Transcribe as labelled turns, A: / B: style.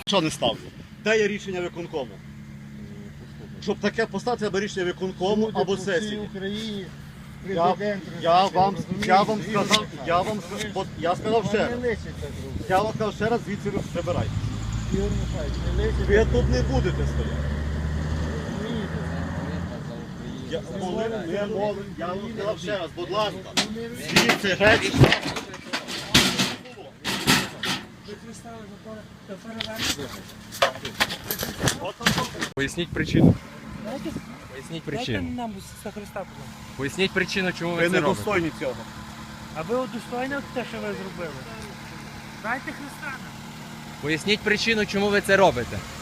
A: Що не ставлю? Де є рішення виконкому? Щоб таке поставити, треба рішення виконкому або сесії.
B: Україні
A: Я вам сказав, я сказав ще раз. Я вам сказав ще раз, звідси ви прибирайте. Ви тут не будете стояти. Я вам сказав ще раз, будь ласка, звідси геть.
C: Поясніть причину. Поясніть
D: Дайте
C: причину.
D: нам за Христа, будь ласка.
C: Поясніть причину, чому ви
A: Ви
C: це
A: не
C: робите.
A: достойні цього.
D: А ви удостойно те, що ви зробили? Дайте Христа нам.
C: Поясніть причину, чому ви це робите.